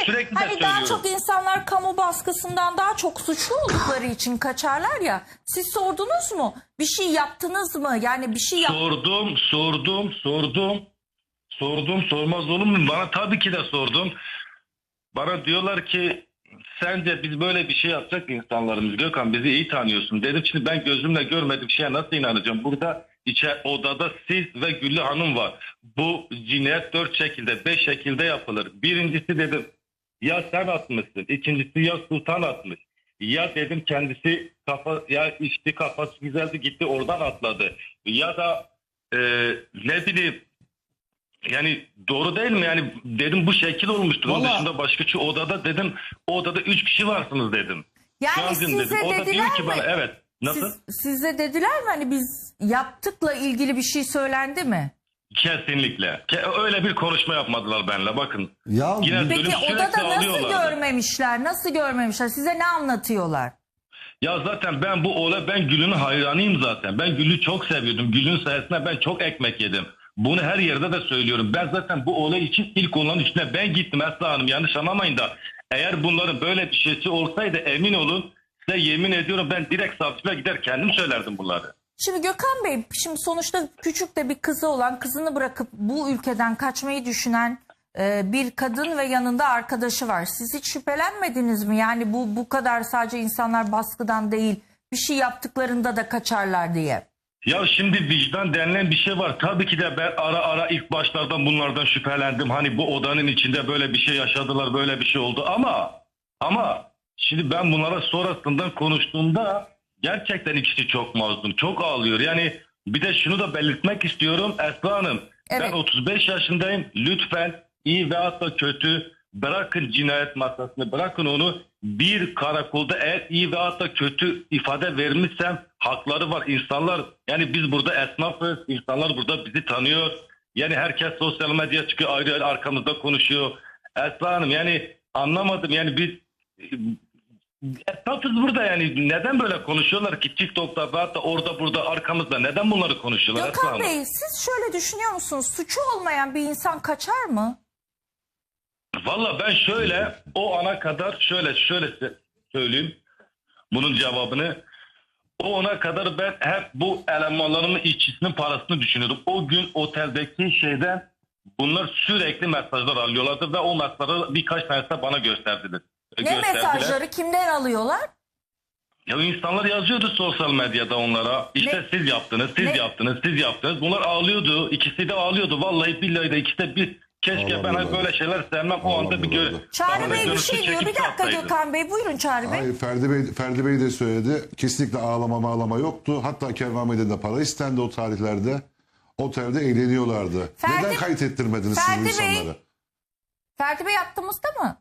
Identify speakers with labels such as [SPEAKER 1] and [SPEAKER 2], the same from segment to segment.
[SPEAKER 1] sürekli de
[SPEAKER 2] hani
[SPEAKER 1] söylüyorum.
[SPEAKER 2] daha çok insanlar kamu baskısından daha çok suçlu oldukları için kaçarlar ya. Siz sordunuz mu? Bir şey yaptınız mı? Yani bir şey
[SPEAKER 1] Sordum, sormaz olur mu? Bana tabii ki de sordum. Bana diyorlar ki sence biz böyle bir şey yapacak insanlarımız, Gökhan bizi iyi tanıyorsun. Dedim şimdi ben gözümle görmediğim şeye nasıl inanacağım? Burada odada siz ve Güllü Hanım var. Bu cinayet 4 şekilde 5 şekilde yapılır. Birincisi dedim ya sen atmışsın. İkincisi ya Sultan atmış. Ya dedim kendisi ya içti kafası güzeldi gitti oradan atladı. Ya da ne bileyim yani doğru değil mi? Yani dedim bu şekil olmuştur. Onun
[SPEAKER 3] Vallahi-
[SPEAKER 1] dışında başka şu odada dedim o odada 3 kişi varsınız dedim.
[SPEAKER 2] Yani
[SPEAKER 1] Şu an
[SPEAKER 2] size
[SPEAKER 1] dedim. O da
[SPEAKER 2] dediler
[SPEAKER 1] diyor ki
[SPEAKER 2] mi?
[SPEAKER 1] bana evet. Nasıl?
[SPEAKER 2] Size dediler mi hani biz yaptıkla ilgili bir şey söylendi mi?
[SPEAKER 1] Kesinlikle. Öyle bir konuşma yapmadılar benimle bakın.
[SPEAKER 3] Ya
[SPEAKER 1] Yine dönüp
[SPEAKER 2] Peki
[SPEAKER 1] sürekli
[SPEAKER 2] odada nasıl
[SPEAKER 1] ağlıyorlardı.
[SPEAKER 2] görmemişler? Nasıl görmemişler? Size ne anlatıyorlar?
[SPEAKER 1] Ya zaten ben Gül'ün hayranıyım zaten. Ben Gül'ü çok seviyordum. Gül'ün sayesinde ben çok ekmek yedim. Bunu her yerde de söylüyorum. Ben zaten bu olay için ilk onların üstüne ben gittim Esra Hanım. Yanlış anlamayın da. Eğer bunların böyle bir şeysi olsaydı emin olun size yemin ediyorum ben direkt savcılığa gider kendim söylerdim bunları.
[SPEAKER 2] Şimdi Gökhan Bey, şimdi sonuçta küçük de bir kızı olan, kızını bırakıp bu ülkeden kaçmayı düşünen bir kadın ve yanında arkadaşı var. Siz hiç şüphelenmediniz mi? Yani bu kadar sadece insanlar baskıdan değil, bir şey yaptıklarında da kaçarlar diye.
[SPEAKER 1] Ya şimdi vicdan denilen bir şey var. Tabii ki de ben ara ilk başlardan bunlardan şüphelendim. Hani bu odanın içinde böyle bir şey yaşadılar, böyle bir şey oldu ama şimdi ben bunlara sonrasından konuştuğumda gerçekten ikisi çok mazlum, çok ağlıyor. Yani bir de şunu da belirtmek istiyorum Esra Hanım.
[SPEAKER 2] Evet.
[SPEAKER 1] Ben 35 yaşındayım. Lütfen iyi veyahut da kötü bırakın cinayet masasını, bırakın onu. Bir karakolda eğer iyi veyahut da kötü ifade vermişsem hakları var insanlar. Yani biz burada esnafız, insanlar burada bizi tanıyor. Yani herkes sosyal medya çıkıyor, ayrı ayrı arkamızda konuşuyor. Esra Hanım yani anlamadım yani biz esnafız burada yani neden böyle konuşuyorlar ki TikTok'ta veyahut da orada burada arkamızda neden bunları konuşuyorlar Esra
[SPEAKER 2] Gökhan
[SPEAKER 1] Hanım?
[SPEAKER 2] Bey, siz şöyle düşünüyor musunuz? Suçu olmayan bir insan kaçar mı?
[SPEAKER 1] Valla ben şöyle o ana kadar şöyle söyleyeyim bunun cevabını. O ana kadar ben hep bu elemanlarımın işçisinin parasını düşünüyordum. O gün oteldeki şeyden bunlar sürekli mesajlar alıyorlardı ve o mesajları birkaç tanesi de bana gösterdiler.
[SPEAKER 2] Ne mesajları kimden alıyorlar?
[SPEAKER 1] Ya insanlar yazıyordu sosyal medyada onlara. İşte
[SPEAKER 2] Ne?
[SPEAKER 1] siz yaptınız, siz
[SPEAKER 2] Ne?
[SPEAKER 1] yaptınız, siz yaptınız. Bunlar ağlıyordu. İkisi de ağlıyordu. Vallahi billahi de ikisi de bir keşke ben hani böyle şeyler sevmem o anda bir
[SPEAKER 2] Çağrı Bey bir
[SPEAKER 1] görüntü
[SPEAKER 2] şey diyor.
[SPEAKER 1] çekip
[SPEAKER 2] Bir dakika
[SPEAKER 1] satsaydı.
[SPEAKER 2] Gökhan Bey. Buyurun Çağrı Bey.
[SPEAKER 3] Hayır, Ferdi Bey de söyledi. Kesinlikle ağlama yoktu. Hatta Kervan Bey'den de para istendi o tarihlerde. Otelde eğleniyorlardı. Neden kayıt ettirmediniz siz bu insanları?
[SPEAKER 2] Ferdi Bey attığımızda mı?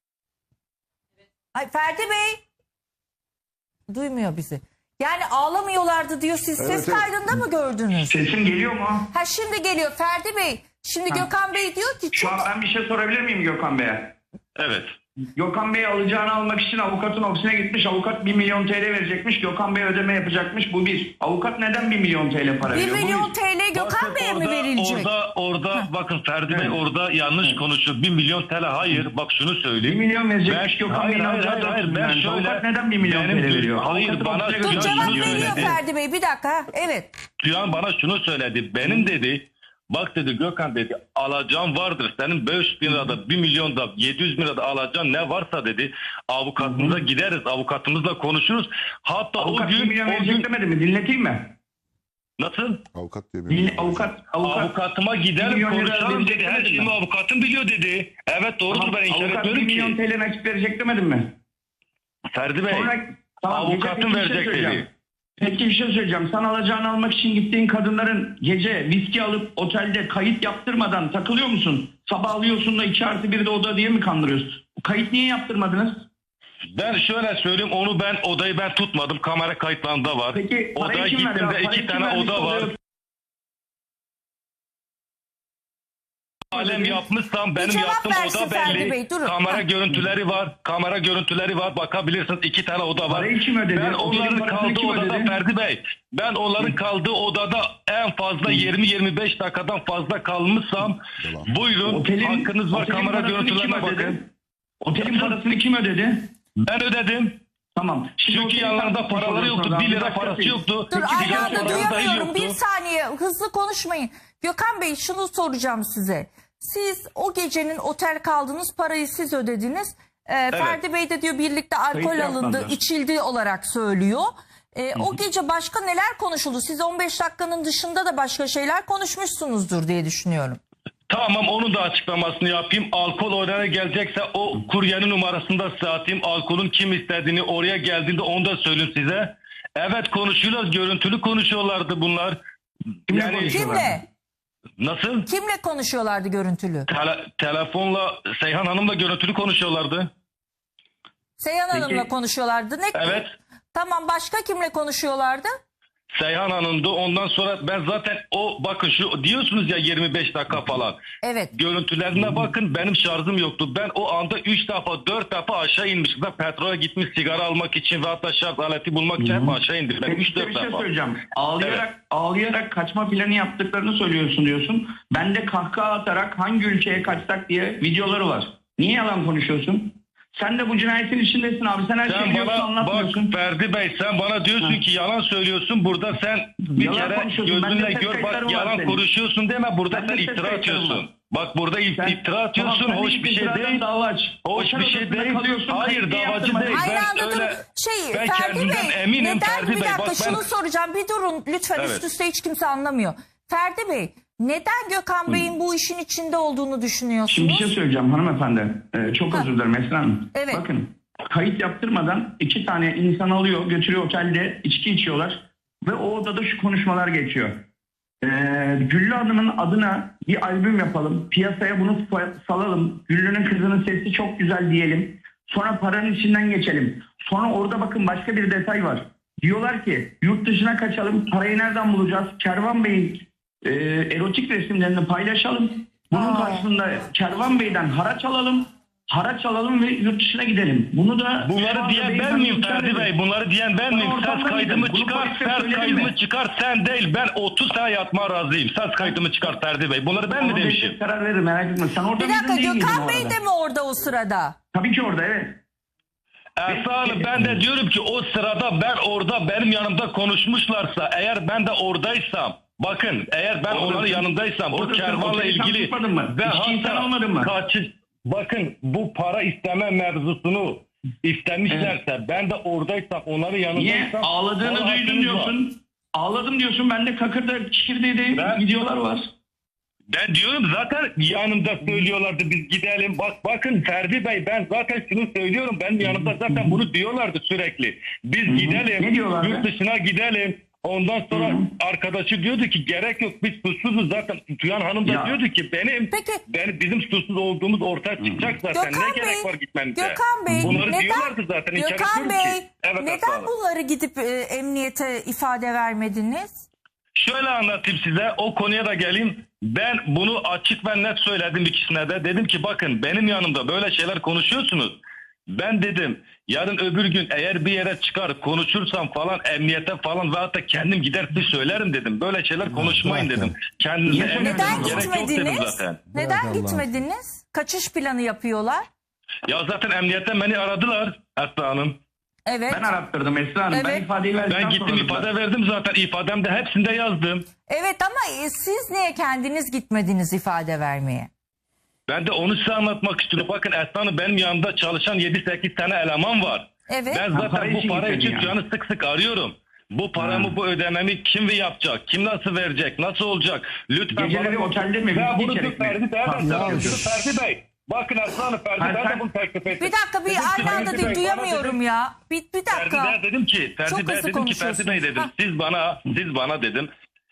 [SPEAKER 2] Ay Ferdi Bey. Duymuyor bizi. Yani ağlamıyorlardı diyor. Siz
[SPEAKER 3] Evet,
[SPEAKER 2] ses
[SPEAKER 3] evet.
[SPEAKER 2] kaydında mı gördünüz?
[SPEAKER 4] Sesim geliyor mu?
[SPEAKER 2] Ha şimdi geliyor Ferdi Bey. Şimdi Gökhan Bey diyor ki
[SPEAKER 4] Şu an ben bir şey sorabilir miyim Gökhan Bey'e?
[SPEAKER 1] Evet.
[SPEAKER 4] Gökhan Bey alacağını almak için avukatın ofisine gitmiş. Avukat 1 milyon TL verecekmiş. Gökhan Bey ödeme yapacakmış. Bu bir. Avukat neden 1 milyon TL para
[SPEAKER 2] 1
[SPEAKER 4] veriyor? Bu
[SPEAKER 2] milyon
[SPEAKER 4] bir.
[SPEAKER 2] TL Gökhan
[SPEAKER 1] Bakın
[SPEAKER 2] Bey'e mi verilecek?
[SPEAKER 1] Orada bakın Ferdi Bey
[SPEAKER 4] Evet.
[SPEAKER 1] orada yanlış konuşuyor. 1 milyon TL hayır. Bak şunu
[SPEAKER 4] 1
[SPEAKER 1] söyleyeyim.
[SPEAKER 4] milyon verecekmiş Gökhan
[SPEAKER 1] hayır,
[SPEAKER 4] Bey'in
[SPEAKER 1] hayır,
[SPEAKER 4] alacağı
[SPEAKER 1] hayır, hayır.
[SPEAKER 4] 400
[SPEAKER 1] Ben
[SPEAKER 4] milyon.
[SPEAKER 1] şöyle
[SPEAKER 4] Avukat neden 1 milyon TL veriyor?
[SPEAKER 1] Hayır
[SPEAKER 4] Avukatın
[SPEAKER 1] bana
[SPEAKER 4] ofisine
[SPEAKER 2] Dur
[SPEAKER 4] götürüyor.
[SPEAKER 2] cevap
[SPEAKER 1] şunu
[SPEAKER 2] veriyor
[SPEAKER 1] söyledi.
[SPEAKER 2] Ferdi Bey. Bir dakika. Evet.
[SPEAKER 1] Duyan bana şunu söyledi. Benim dedi bak dedi Gökhan dedi alacağın vardır. Senin 500 bin lirada 1 milyonda 700 bin lirada alacağın ne varsa dedi. Avukatımıza gideriz. Avukatımızla konuşuruz. Hatta
[SPEAKER 4] Avukat
[SPEAKER 1] o
[SPEAKER 4] 1
[SPEAKER 1] gün
[SPEAKER 4] milyon verecek demedi mi? Dinleteyim mi?
[SPEAKER 1] nasıl?
[SPEAKER 3] Avukat diye bir
[SPEAKER 4] Avukat.
[SPEAKER 1] Avukatıma
[SPEAKER 4] 1
[SPEAKER 1] gidelim
[SPEAKER 4] milyon lira
[SPEAKER 1] konuşalım
[SPEAKER 4] verecek
[SPEAKER 1] dedi. Her
[SPEAKER 4] demedi
[SPEAKER 1] şeyimi
[SPEAKER 4] mi?
[SPEAKER 1] avukatım biliyor dedi. Evet doğrudur ben inkar
[SPEAKER 4] Avukat 1
[SPEAKER 1] etmiyorum
[SPEAKER 4] milyon
[SPEAKER 1] ki.
[SPEAKER 4] TL nakit verecek demedim mi?
[SPEAKER 1] Ferdi Bey avukatım
[SPEAKER 4] gece bir şey
[SPEAKER 1] verecek
[SPEAKER 4] söyleyeceğim.
[SPEAKER 1] dedi.
[SPEAKER 4] Peki bir şey söyleyeceğim. Sen alacağını almak için gittiğin kadınların gece viski alıp otelde kayıt yaptırmadan takılıyor musun? Sabah alıyorsun da 2+1'de oda diye mi kandırıyorsun? Kayıt niye yaptırmadınız?
[SPEAKER 1] Ben şöyle söyleyeyim odayı ben tutmadım. Kamera kayıtlarında var.
[SPEAKER 4] Peki
[SPEAKER 1] Odaya
[SPEAKER 4] parayı kim verdi?
[SPEAKER 1] gittiğimde
[SPEAKER 4] Parayı
[SPEAKER 1] 2
[SPEAKER 4] kim
[SPEAKER 1] tane
[SPEAKER 4] vermiş
[SPEAKER 1] oda var.
[SPEAKER 4] oluyor?
[SPEAKER 1] Alem yapmışsam benim
[SPEAKER 2] cevap
[SPEAKER 1] yaptığım
[SPEAKER 2] versin
[SPEAKER 1] oda
[SPEAKER 2] Ferdi
[SPEAKER 1] belli.
[SPEAKER 2] Bey, durun.
[SPEAKER 1] Kamera
[SPEAKER 2] Ha.
[SPEAKER 1] görüntüleri var. Kamera görüntüleri var. Bakabilirsiniz 2 tane oda var.
[SPEAKER 4] Parayı kim ödedi?
[SPEAKER 1] Ben
[SPEAKER 4] Otelin
[SPEAKER 1] onların
[SPEAKER 4] parasını
[SPEAKER 1] kaldığı
[SPEAKER 4] kim
[SPEAKER 1] odada
[SPEAKER 4] ödedi?
[SPEAKER 1] Ferdi Bey. Ben onların kaldığı odada en fazla 20-25 dakikadan fazla kalmışsam buyurun hakkınız var
[SPEAKER 4] otelin
[SPEAKER 1] kamera
[SPEAKER 4] parasını kim
[SPEAKER 1] görüntülerine
[SPEAKER 4] ödedi?
[SPEAKER 1] bakın.
[SPEAKER 4] Otelin parasını kim ödedi?
[SPEAKER 1] Ben ödedim.
[SPEAKER 4] Tamam.
[SPEAKER 1] Çünkü
[SPEAKER 4] otelin
[SPEAKER 1] yanlarında
[SPEAKER 4] parasını
[SPEAKER 1] paraları yoktu.
[SPEAKER 4] soruyorsunuz
[SPEAKER 1] 1
[SPEAKER 4] abi.
[SPEAKER 1] lira parası yoktu.
[SPEAKER 2] Dur
[SPEAKER 1] Peki,
[SPEAKER 2] aynı anda
[SPEAKER 1] sigara parası dahi
[SPEAKER 2] duyamıyorum.
[SPEAKER 1] yoktu.
[SPEAKER 2] Bir saniye hızlı konuşmayın. Gökhan Bey şunu soracağım size. Siz o gecenin otel kaldınız, parayı siz ödediniz. Ferdi Bey de diyor birlikte alkol
[SPEAKER 4] Kayıt
[SPEAKER 2] alındı,
[SPEAKER 4] yapmadı.
[SPEAKER 2] içildi olarak söylüyor. O gece başka neler konuşuldu? Siz 15 dakikanın dışında da başka şeyler konuşmuşsunuzdur diye düşünüyorum.
[SPEAKER 1] Tamam, onun da açıklamasını yapayım. Alkol oraya gelecekse o kuryenin numarasını da size atayım. Alkolün kim istediğini, oraya geldiğinde onu da söyleyeyim size. Evet, konuşuyorlar. Görüntülü konuşuyorlardı bunlar. Yani
[SPEAKER 2] Kimle?
[SPEAKER 1] nasıl?
[SPEAKER 2] Kimle konuşuyorlardı görüntülü?
[SPEAKER 1] Telefonla Seyhan Hanım'la görüntülü konuşuyorlardı.
[SPEAKER 2] Seyhan Hanım'la konuşuyorlardı. Ne?
[SPEAKER 1] Evet.
[SPEAKER 2] Tamam, başka kimle konuşuyorlardı?
[SPEAKER 1] Seyhan Hanım'dı. Ondan sonra ben zaten bakın şu diyorsunuz ya 25 dakika falan.
[SPEAKER 2] Evet.
[SPEAKER 1] Görüntülerine bakın, benim şarjım yoktu. Ben o anda 3 defa 4 defa aşağı inmiştim. Ben petrole gitmiş sigara almak için ve hatta şarj aleti bulmak için hep aşağı indim. Ben
[SPEAKER 4] Peki
[SPEAKER 1] 3-4
[SPEAKER 4] bir şey
[SPEAKER 1] defa.
[SPEAKER 4] söyleyeceğim. Ağlayarak kaçma planı yaptıklarını söylüyorsun diyorsun. Ben de kahkaha atarak hangi ülkeye kaçsak diye videoları var. Niye yalan konuşuyorsun? Sen de bu cinayetin içindesin abi. Sen her şeyi
[SPEAKER 1] Sen
[SPEAKER 4] biliyorsun,
[SPEAKER 1] bana
[SPEAKER 4] anlatmıyorsun.
[SPEAKER 1] bak Ferdi Bey, sen bana diyorsun ki yalan söylüyorsun. Burada sen bir
[SPEAKER 4] Yalan
[SPEAKER 1] kere
[SPEAKER 4] konuşuyorsun.
[SPEAKER 1] gözünle
[SPEAKER 4] Bende ses
[SPEAKER 1] gör,
[SPEAKER 4] kayıtları
[SPEAKER 1] bak
[SPEAKER 4] var
[SPEAKER 1] yalan
[SPEAKER 4] senin.
[SPEAKER 1] konuşuyorsun deme. Burada
[SPEAKER 4] Bende
[SPEAKER 1] sen
[SPEAKER 4] ses
[SPEAKER 1] iftira
[SPEAKER 4] kayıtları
[SPEAKER 1] atıyorsun.
[SPEAKER 4] var.
[SPEAKER 1] Bak burada iftira atıyorsun.
[SPEAKER 4] Tamam, sen
[SPEAKER 1] Hoş
[SPEAKER 4] de
[SPEAKER 1] bir şey
[SPEAKER 4] iftiradan
[SPEAKER 1] değil.
[SPEAKER 4] dava aç.
[SPEAKER 1] Hoş
[SPEAKER 4] Otel
[SPEAKER 1] bir şey
[SPEAKER 4] odasında
[SPEAKER 1] değil.
[SPEAKER 4] kalıyorsun,
[SPEAKER 1] Hayır,
[SPEAKER 4] kayıt niye
[SPEAKER 1] davacı
[SPEAKER 4] yaptırmadın?
[SPEAKER 1] değil.
[SPEAKER 2] Aynı
[SPEAKER 1] Ben
[SPEAKER 2] anda
[SPEAKER 1] öyle-
[SPEAKER 2] dur.
[SPEAKER 1] ben
[SPEAKER 2] Ferdi
[SPEAKER 1] kendimden
[SPEAKER 2] Bey,
[SPEAKER 1] eminim
[SPEAKER 2] neden
[SPEAKER 1] Ferdi
[SPEAKER 2] bir
[SPEAKER 1] Bey.
[SPEAKER 2] dakika
[SPEAKER 1] Bak ben-
[SPEAKER 2] şunu soracağım. Bir durun lütfen,
[SPEAKER 1] Evet.
[SPEAKER 2] üst üste hiç kimse anlamıyor. Ferdi Bey, neden Gökhan Bey'in bu işin içinde olduğunu düşünüyorsunuz?
[SPEAKER 4] Şimdi bir şey söyleyeceğim hanımefendi. Çok özür dilerim Esra Hanım.
[SPEAKER 2] Evet.
[SPEAKER 4] Bakın, kayıt yaptırmadan 2 tane insan alıyor, götürüyor otelde, içki içiyorlar. Ve o odada şu konuşmalar geçiyor. Güllü Hanım'ın adına bir albüm yapalım. Piyasaya bunu salalım. Güllü'nün kızının sesi çok güzel diyelim. Sonra paranın içinden geçelim. Sonra orada bakın başka bir detay var. Diyorlar ki yurt dışına kaçalım. Parayı nereden bulacağız? Kervan Bey'in erotik resimlerini paylaşalım. Bunun karşılığında Kervan Bey'den haraç alalım. Haraç alalım ve yurt dışına gidelim. Bunu da
[SPEAKER 1] Bunları diyen ben miyim Ferdi Bey? Bunları diyen ben miyim? Ses kaydımı çıkar, ses kaydımı çıkar, sen değil. Ben 30 sene yatmaya razıyım. Ses kaydımı çıkar Ferdi Bey. Bunları ben mi demişim?
[SPEAKER 4] Karar veririm, merak etme. Sen orada
[SPEAKER 2] Bir dakika,
[SPEAKER 4] mıydın, değil miydin
[SPEAKER 2] Gökhan
[SPEAKER 4] o
[SPEAKER 2] Bey
[SPEAKER 4] arada?
[SPEAKER 2] de mi orada o sırada?
[SPEAKER 4] Tabii ki orada, evet.
[SPEAKER 1] Esra Hanım, ben de diyorum ki o sırada ben orada benim yanımda konuşmuşlarsa, eğer ben de oradaysam, bakın eğer ben
[SPEAKER 4] Oradasın.
[SPEAKER 1] onların yanındaysam bu
[SPEAKER 4] Oradasın.
[SPEAKER 1] kervanla
[SPEAKER 4] Oteli sen
[SPEAKER 1] ilgili
[SPEAKER 4] tutmadın mı?
[SPEAKER 1] ve
[SPEAKER 4] İçki insan almadın mı?
[SPEAKER 1] bakın bu para isteme mevzusunu istemişlerse ben de oradaysam, onların yanındaysam.
[SPEAKER 4] Niye? Ağladığını
[SPEAKER 1] bana
[SPEAKER 4] duydun
[SPEAKER 1] hakkınız var.
[SPEAKER 4] diyorsun. Ağladım diyorsun. Ben de Kakır'da Çikirde'de
[SPEAKER 1] Ben-
[SPEAKER 4] videolar var.
[SPEAKER 1] Ben diyorum zaten yanımda söylüyorlardı biz gidelim. Bakın Ferdi Bey, ben zaten şunu söylüyorum. Benim yanımda zaten bunu diyorlardı sürekli. Biz gidelim.
[SPEAKER 4] Ne diyorlardı?
[SPEAKER 1] Yurt dışına gidelim. Ondan sonra arkadaşı diyordu ki gerek yok, biz suçsuzuz zaten. Tüyan Hanım da
[SPEAKER 4] Ya.
[SPEAKER 1] diyordu ki
[SPEAKER 2] Peki.
[SPEAKER 1] bizim suçsuz olduğumuz ortaya çıkacak zaten.
[SPEAKER 2] Gökhan
[SPEAKER 1] Ne gerek
[SPEAKER 2] Bey,
[SPEAKER 1] var gitmemize?
[SPEAKER 2] Gökhan Bey,
[SPEAKER 1] Bunları diyorlardı zaten. İnkar
[SPEAKER 2] Gökhan
[SPEAKER 1] etmiyorum
[SPEAKER 2] Bey,
[SPEAKER 1] ki. Evet, Esra
[SPEAKER 2] neden
[SPEAKER 1] Hanım.
[SPEAKER 2] bunları gidip emniyete ifade vermediniz?
[SPEAKER 1] Şöyle anlatayım size, o konuya da geleyim. Ben bunu açık ve net söyledim ikisine de. Dedim ki bakın, benim yanımda böyle şeyler konuşuyorsunuz. Ben dedim yarın öbür gün eğer bir yere çıkar konuşursam falan, emniyete falan ve hatta kendim gider bir söylerim dedim. Böyle şeyler konuşmayın
[SPEAKER 3] zaten.
[SPEAKER 1] dedim. Kendinize
[SPEAKER 4] Neden
[SPEAKER 1] emniyete
[SPEAKER 2] Neden
[SPEAKER 1] gerek yok dedim
[SPEAKER 2] gitmediniz?
[SPEAKER 1] zaten.
[SPEAKER 2] Neden
[SPEAKER 3] Bırak
[SPEAKER 2] gitmediniz? Kaçış planı yapıyorlar.
[SPEAKER 1] Ya zaten emniyetten beni aradılar Esra Hanım.
[SPEAKER 2] Evet.
[SPEAKER 4] Ben arattırdım Esra Hanım. Ben
[SPEAKER 2] Evet.
[SPEAKER 4] ifadeyi verdikten
[SPEAKER 1] Ben gittim
[SPEAKER 4] sonra
[SPEAKER 1] ifade verdim zaten. İfademde hepsinde yazdım.
[SPEAKER 2] Evet ama siz niye kendiniz gitmediniz ifade vermeye?
[SPEAKER 1] Ben de onu size anlatmak istiyorum. Bakın Esra Hanım, benim yanımda çalışan 7-8 tane eleman var.
[SPEAKER 2] Evet.
[SPEAKER 1] Ben
[SPEAKER 4] Ha,
[SPEAKER 1] zaten
[SPEAKER 4] para
[SPEAKER 1] bu
[SPEAKER 4] için
[SPEAKER 1] para
[SPEAKER 4] gitmedin
[SPEAKER 1] için
[SPEAKER 4] yani.
[SPEAKER 1] Tüyan'ı sık sık arıyorum. Bu paramı, bu ödememi kim yapacak? Kim nasıl verecek? Nasıl olacak? Lütfen
[SPEAKER 4] Geceleri otelde mi?
[SPEAKER 1] Ben
[SPEAKER 4] Viski
[SPEAKER 1] bunu
[SPEAKER 4] içerek mi?
[SPEAKER 1] Ferdi Bey'e de
[SPEAKER 4] Tamam,
[SPEAKER 1] söylüyorum.
[SPEAKER 3] tamam.
[SPEAKER 1] Ferdi Bey. Bakın Esra Hanım, Ferdi
[SPEAKER 4] Hayır,
[SPEAKER 1] Bey'e de
[SPEAKER 4] sen-
[SPEAKER 1] bunu teklif ettim.
[SPEAKER 2] Bir dakika, bir
[SPEAKER 1] Dedim ki,
[SPEAKER 2] aynı anda
[SPEAKER 1] Ferdi Bey, bana
[SPEAKER 2] duyamıyorum
[SPEAKER 1] dedim-
[SPEAKER 2] ya. Bir
[SPEAKER 1] Ferdi
[SPEAKER 2] dakika.
[SPEAKER 1] Bey'e dedim ki,
[SPEAKER 2] Çok
[SPEAKER 1] Ferdi Bey'e
[SPEAKER 2] hızlı
[SPEAKER 1] dedim ki, Ferdi Bey dedim.
[SPEAKER 2] konuşuyorsunuz.
[SPEAKER 1] Siz bana dedim.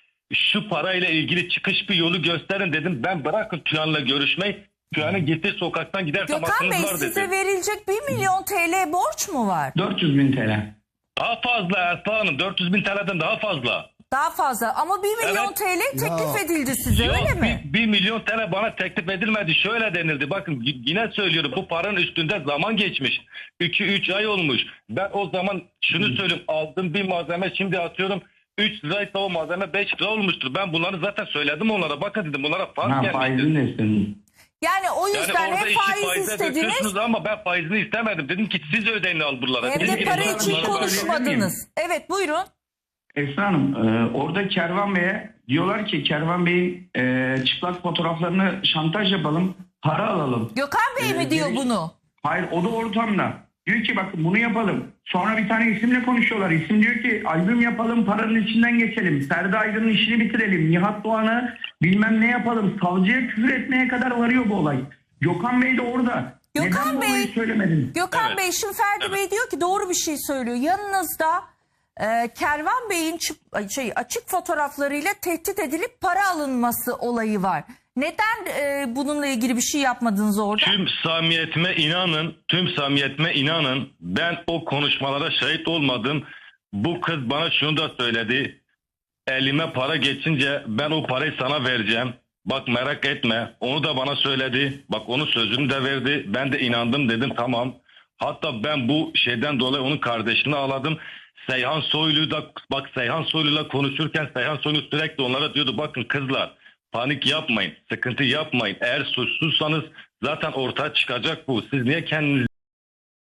[SPEAKER 1] Şu parayla ilgili çıkış bir yolu gösterin dedim. Ben bırakın Tüyan'la görüşmeyi. Tüyan'ın gittiği sokaktan gidersem
[SPEAKER 2] Gökhan
[SPEAKER 1] hakkınız
[SPEAKER 2] Bey,
[SPEAKER 1] var
[SPEAKER 2] size
[SPEAKER 1] dedim.
[SPEAKER 2] verilecek 1 milyon TL borç mu var?
[SPEAKER 4] 400.000 TL.
[SPEAKER 1] Daha fazla Esra Hanım. 400.000 TL'den daha fazla.
[SPEAKER 2] Daha fazla ama 1 milyon
[SPEAKER 1] Evet.
[SPEAKER 2] TL teklif
[SPEAKER 3] Ya.
[SPEAKER 2] edildi size,
[SPEAKER 1] Yok,
[SPEAKER 2] öyle mi?
[SPEAKER 1] 1 milyon TL bana teklif edilmedi. Şöyle denildi. Bakın yine söylüyorum. Bu paranın üstünde zaman geçmiş. 2-3 ay olmuş. Ben o zaman şunu söyleyeyim. Aldığım bir malzeme şimdi atıyorum 3 liraysa o malzeme 5 lira olmuştur. Ben bunları zaten söyledim onlara. Bakın dedim, bunlara fark
[SPEAKER 4] Ha,
[SPEAKER 1] gelmiştir.
[SPEAKER 4] faizini de istedin.
[SPEAKER 2] Yani o
[SPEAKER 1] Yani
[SPEAKER 2] yüzden
[SPEAKER 1] orada
[SPEAKER 2] hep
[SPEAKER 1] işi
[SPEAKER 2] faiz
[SPEAKER 1] faize
[SPEAKER 2] istediniz
[SPEAKER 1] döküyorsunuz ama ben faizini istemedim. Dedim ki siz ödeyin al buralara.
[SPEAKER 2] hem
[SPEAKER 1] Dedim
[SPEAKER 2] de
[SPEAKER 1] ki
[SPEAKER 2] para
[SPEAKER 1] bunlar
[SPEAKER 2] için
[SPEAKER 1] bunlara
[SPEAKER 2] konuşmadınız. Evet buyurun.
[SPEAKER 4] Esra Hanım orada Kervan Bey'e diyorlar ki Kervan Bey'in çıplak fotoğraflarını şantaj yapalım, para alalım.
[SPEAKER 2] Gökhan Bey mi diyor
[SPEAKER 4] demiş-
[SPEAKER 2] bunu?
[SPEAKER 4] Hayır, o da ortamda. Diyor ki bakın bunu yapalım. Sonra bir tane isimle konuşuyorlar. İsim diyor ki albüm yapalım, paranın içinden geçelim. Ferdi Aydın'ın işini bitirelim. Nihat Doğan'ı bilmem ne yapalım. Savcıya küfür etmeye kadar varıyor bu olay. Gökhan Bey de orada.
[SPEAKER 2] Gökhan
[SPEAKER 4] Neden bu
[SPEAKER 2] Bey-
[SPEAKER 4] olayı söylemedin?
[SPEAKER 2] Gökhan
[SPEAKER 1] Evet.
[SPEAKER 2] Bey şimdi Ferdi Bey diyor ki doğru bir şey söylüyor. Yanınızda Kervan Bey'in açık fotoğraflarıyla tehdit edilip para alınması olayı var. Neden bununla ilgili bir şey yapmadınız orada?
[SPEAKER 1] Tüm samimiyetime inanın. Ben o konuşmalara şahit olmadım. Bu kız bana şunu da söyledi. Elime para geçince ben o parayı sana vereceğim. Bak merak etme. Onu da bana söyledi. Bak onun sözünü de verdi. Ben de inandım, dedim tamam. Hatta ben bu şeyden dolayı onun kardeşini ağladım. Seyhan Soylu'yla konuşurken Seyhan Soylu sürekli onlara diyordu bakın kızlar panik yapmayın, sıkıntı yapmayın. Eğer suçsuzsanız zaten ortaya çıkacak bu. Siz niye kendinizi